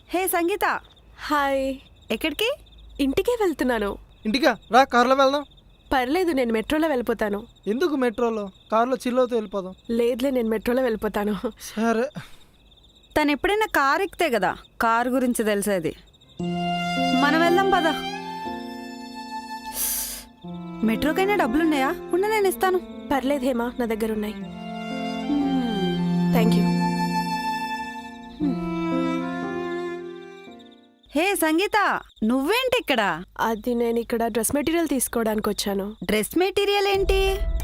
హే సంగీత, hi. ఎక్కడికి? ఇంటికే వెళ్తున్నాను. ఇంటికా రా, కార్లో వెళ్దాం. పర్లేదు, నేను మెట్రోలో వెళ్ళిపోతాను. ఎందుకు మెట్రోలో? కార్లో చిల్లవుతూ వెళ్ళిపోదాం. లేదులే, నేను మెట్రోలో వెళ్ళిపోతాను. సరే. తను ఎప్పుడైనా కార్ ఎక్కితే కదా కార్ గురించి తెలిసేది. మనం వెళ్దాం పద. మెట్రోకైనా డబ్బులున్నాయా? ఉన్న నేను ఇస్తాను. పర్లేదు హేమా, నా దగ్గర ఉన్నాయి. Thank you. హే సంగీత, నువ్వేంటి ఇక్కడ? అది నేను ఇక్కడ డ్రెస్ మెటీరియల్ తీసుకోవడానికి వచ్చాను. డ్రెస్ మెటీరియల్ ఏంటి?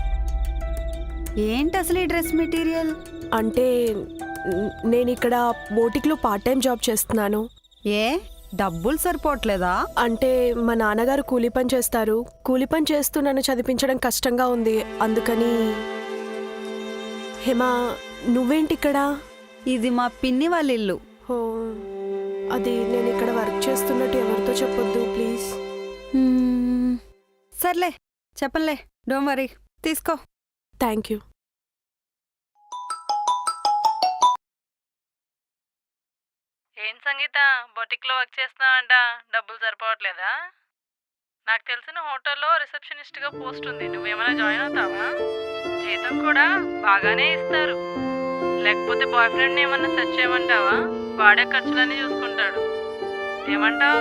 ఏంటి అసలు ఈ డ్రెస్ మెటీరియల్? అంటే నేను ఇక్కడ బోటిక్లో పార్ట్ టైం జాబ్ చేస్తున్నాను. ఏ డబ్బులు సరిపోవట్లేదా? అంటే మా నాన్నగారు కూలీ పని చేస్తారు. కూలీ పని చేస్తూ నన్ను చదివించడం కష్టంగా ఉంది. అందుకని. హేమా, నువ్వేంటి ఇక్కడ? ఇది మా పిన్ని వాళ్ళ ఇల్లు. ఓ, అది నేను ఇక్కడ వర్క్ చేస్తున్నట్టు ఎవరితో చెప్పొద్దు ప్లీజ్. సర్లే, చెప్పలే, డోంట్ వరీ, తీసుకో. Thank you. ఏం సంగీత, బొటిక్లో వర్క్ చేస్తున్నావంట, డబ్బులు సరిపోవట్లేదా? నాకు తెలిసిన హోటల్లో రిసెప్షనిస్ట్గా పోస్ట్ ఉంది, నువ్వేమైనా జాయిన్ అవుతావా? జీతం కూడా బాగానే ఇస్తారు. లేకపోతే బాయ్ ఫ్రెండ్ని ఏమన్నా సెర్చ్ చేయమంటావా? వాడే ఖర్చులన్నీ చూసుకుంటాడు. ఏమంటావు?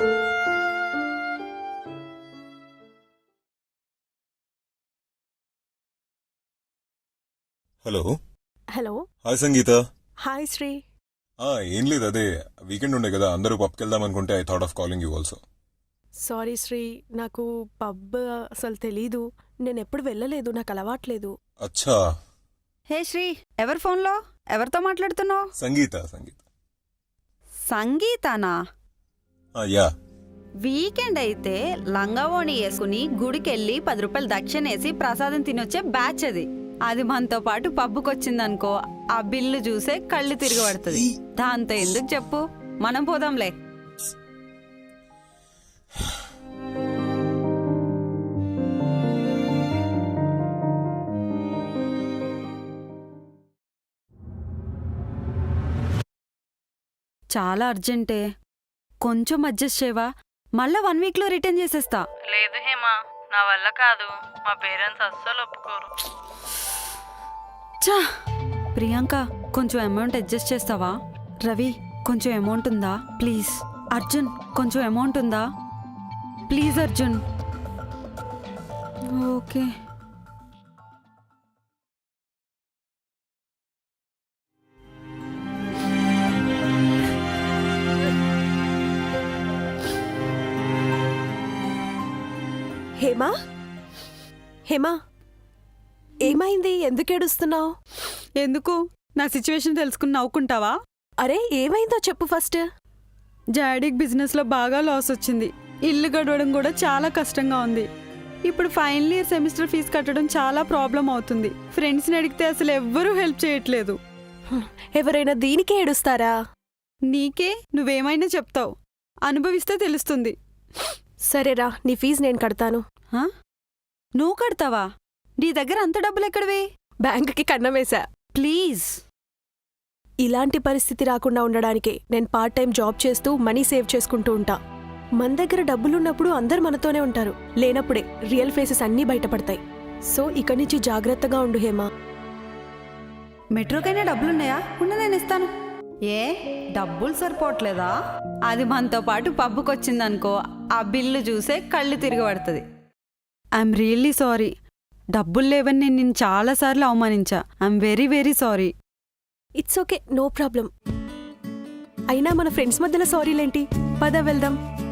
Hello. Hello. Hi Sangeetha. Hi Sri. ఏం లేదు, అదే వీకెండ్ ఉండే కదా, అందరూ పబ్కి వెళ్దాం అనుకుంటే I thought of calling you also. Sorry Sri, నాకు పబ్ అసలు తెలీదు. నేను ఎప్పుడు వెళ్ళలేదు, నాకు అలవాట్లేదు. అచ్చా. హే శ్రీ, ఎవరి ఫోన్లో ఎవరితో మాట్లాడుతున్నావు? సంగీత. సంగీత. సంగీతానా? యా. వీకెండ్ అయితే లంగావోణి వేసుకుని గుడికెళ్ళి 10 రూపాయలు దక్షిణేసి ప్రసాదం తినొచ్చే బ్యాచ్ అది. అది మనతో పాటు పబ్బుకొచ్చిందనుకో, ఆ బిల్లు చూసే కళ్ళు తిరగబడుతుంది. దాంతో ఎందుకు చెప్పు, మనం పోదాంలే. చాలా అర్జెంటే, కొంచెం అడ్జస్ట్ చేయవా? మళ్ళా 1 వీక్లో రిటర్న్ చేసేస్తా. లేదు హేమా, నా వల్ల కాదు. మా పేరెంట్స్ అస్సలు ఒప్పుకోరు. చా, ప్రియాంక, కొంచెం అమౌంట్ అడ్జస్ట్ చేస్తావా? రవి, కొంచెం అమౌంట్ ఉందా ప్లీజ్? అర్జున్, కొంచెం అమౌంట్ ఉందా ప్లీజ్? అర్జున్. ఓకే. హేమా, హేమా, ఏమైంది? ఎందుకు ఏడుస్తున్నావు? ఎందుకు? నా సిచ్యువేషన్ తెలుసుకుని నవ్వుకుంటావా? అరే, ఏమైందో చెప్పు ఫస్ట్. డాడీకి బిజినెస్లో బాగా లాస్ వచ్చింది. ఇల్లు గడవడం కూడా చాలా కష్టంగా ఉంది. ఇప్పుడు ఫైనల్ ఇయర్ సెమిస్టర్ ఫీజు కట్టడం చాలా ప్రాబ్లం అవుతుంది. ఫ్రెండ్స్ని అడిగితే అసలు ఎవ్వరూ హెల్ప్ చేయట్లేదు. ఎవరైనా దీనికే ఏడుస్తారా? నీకే, నువ్వేమైనా చెప్తావు, అనుభవిస్తే తెలుస్తుంది. సరేరా, నీ ఫీజు నేను కడతాను. నువ్వు కడతావా? నీ దగ్గర అంత డబ్బులు ఎక్కడివి? బ్యాంకుకి కన్నం వేశా. ప్లీజ్. ఇలాంటి పరిస్థితి రాకుండా ఉండడానికే నేను పార్ట్ టైం జాబ్ చేస్తూ మనీ సేవ్ చేసుకుంటూ ఉంటా. మన దగ్గర డబ్బులున్నప్పుడు అందరు మనతోనే ఉంటారు, లేనప్పుడే రియల్ ఫేసెస్ అన్నీ బయటపడతాయి. సో ఇక నుంచి జాగ్రత్తగా ఉండు హేమా. మెట్రోకైనా డబ్బులున్నాయా? ఉన్న నేను ఇస్తాను. ఏ డబ్బులు సరిపోవట్లేదా? అది మనతో పాటు పబ్బుకొచ్చిందనుకో, ఆ బిల్లు చూసే కళ్ళు తిరగబడుతుంది. I'm really sorry. డబ్బులు లేవని నేను నిన్ను చాలాసార్లు అవమానించా. I'm very very sorry. It's okay, no problem. అయినా మన ఫ్రెండ్స్ మధ్యలో సారీలేంటి? పద వెళ్దాం.